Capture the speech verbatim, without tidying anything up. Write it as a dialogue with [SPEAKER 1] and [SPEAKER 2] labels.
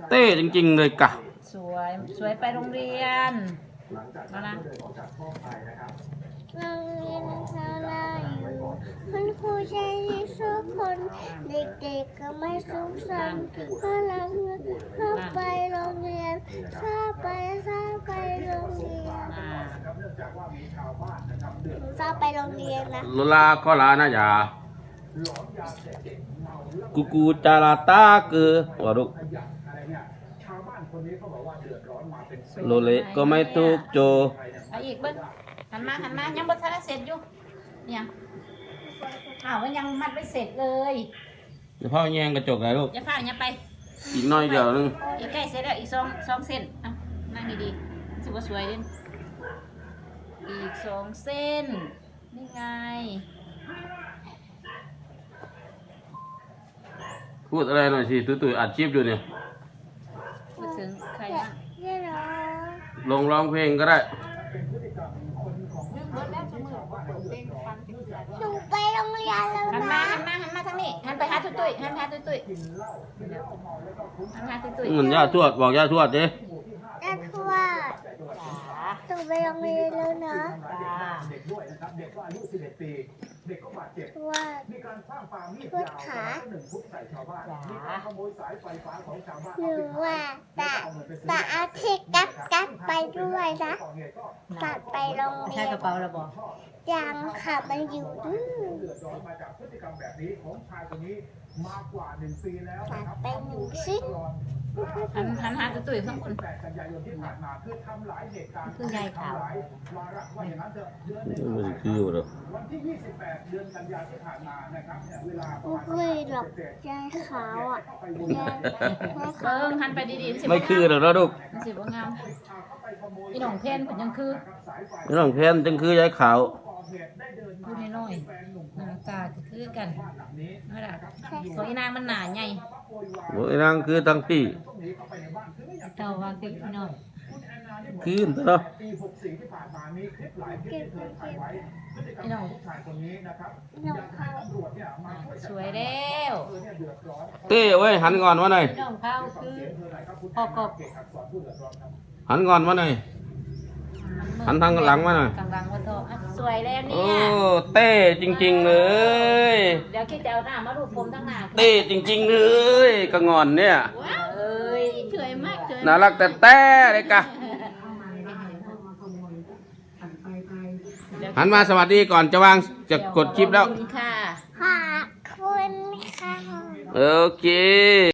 [SPEAKER 1] เต้จริงๆเลยกะ
[SPEAKER 2] สวยสวยไปโรงเรียนมานะ
[SPEAKER 3] โรงเรียนเราเราอยู่คุณครูใจดีทุกคนเด็กๆก็ไม่สุขสันต์ก็รักเข้าไปโรงเรียนเข้าไปเข้าไปโรงเรียน
[SPEAKER 2] อ่า
[SPEAKER 3] เข้าไปโรงเรียนนะ
[SPEAKER 1] โลลาก็ลานะยากูกูจาราตาคือวะดุโลเลก็ไม่ตุกโจ
[SPEAKER 2] เอาอีกเบิ้งหันมาหันมายังบ่ทันได้เสร็จอยู่เนี่ยอ้าวมันยังมัดไม่เสร็จเลย
[SPEAKER 1] เดี๋ยวพ่อแยงกระจกเลยลูก
[SPEAKER 2] อย่าพลาดอย่าไป
[SPEAKER 1] อีกหน้อยเดียวนึง
[SPEAKER 2] อีกใกล้เสร็จแล้วอีกสองสองเส้นอ่ะนั่งดีๆสิบ่สวยเด่นอีกสองเส้นนี่ไง
[SPEAKER 1] พูดอะไรหน่อยสิตุ้ยตุ้ยอัดคลิปอยู่เนี่ย
[SPEAKER 2] พูดถึงใครบ้าง
[SPEAKER 3] เดี๋ยวเหรอ
[SPEAKER 1] ลงร้องเพลงก็ได้
[SPEAKER 3] หนูไปโรงเรียนแล้ว
[SPEAKER 2] หัน
[SPEAKER 3] นะ
[SPEAKER 2] มาหันมาหันมาทางนี้หันไปหาตุ้ยตุ้ยหันไปหาตุ้ยตุ้ยหันมาหาตุ้ยตุ้ย
[SPEAKER 1] เหมือนย่าทวดบอกย่าทวดดิ
[SPEAKER 3] แต่ทวด
[SPEAKER 2] จ๋า
[SPEAKER 3] หนูไปโรงเรียนแล้วนะ
[SPEAKER 2] จ้า
[SPEAKER 3] ทวดทวดขา
[SPEAKER 2] จ๋า
[SPEAKER 3] หนูว่าตาตาอาทิตย์กับกับไปด้วยนะตัดไปโรงเรี
[SPEAKER 2] ใช่
[SPEAKER 3] ยน
[SPEAKER 2] กระเป๋าระบอก
[SPEAKER 3] ยังค่ะมันอยู่ดื้อตัดไปหนึ่งชิ้น
[SPEAKER 2] หันหันหาตุ้ยตุ้ยข้างบนคือยายขาว
[SPEAKER 1] มันคืออยู่หรอ
[SPEAKER 3] ไม่หรอกยายขาวอ่ะยายยาย
[SPEAKER 2] เบิ้
[SPEAKER 3] ขาว
[SPEAKER 2] งหันไปดีๆสิ
[SPEAKER 1] ไม่คือหรอกลูก
[SPEAKER 2] มันสิบ่งามอีหนองเพนผลยังคือ
[SPEAKER 1] ไม่ต้องเพนจึงคือยายขาว
[SPEAKER 2] พูดน้อยๆหน้าตาก็คือกันนั่นแหละตัวอีนางมันหนาใหญ่
[SPEAKER 1] โอ้ยนางคือทั้งพี่
[SPEAKER 2] เจ้าว่าคือพี่น้อย
[SPEAKER 1] คืนเนาะ
[SPEAKER 3] เก็บไปเก็บ
[SPEAKER 2] พี่น้อง
[SPEAKER 3] น้องเขา
[SPEAKER 2] สวยแล้ว
[SPEAKER 1] เต้เว้ยหันก่อนมาหน่อย
[SPEAKER 2] พี่น้องเขาคือพ่อกบ
[SPEAKER 1] หันก่อนมาหน่อย หันทางหลังมาหน่อย
[SPEAKER 2] กลางหลังวันโตอ่ะสวยแล้วเนี่
[SPEAKER 1] โอ้
[SPEAKER 2] ย
[SPEAKER 1] เต้จริงๆเลย
[SPEAKER 2] เดี๋ยวคิดจะเอาหน้ามารูปผมทั้งหน้า
[SPEAKER 1] เต้จริงๆเลยกระงอนเนี่ย
[SPEAKER 2] ว้าวเอ้ยสวยมากสวย
[SPEAKER 1] น่ารักแต่แต่เลยกะหันมาสวัสดีก่อนจะวางจะกดคลิปแล้ว
[SPEAKER 2] ขอบคุณค่ะ
[SPEAKER 3] ขอบคุณค่ะ
[SPEAKER 1] โอเค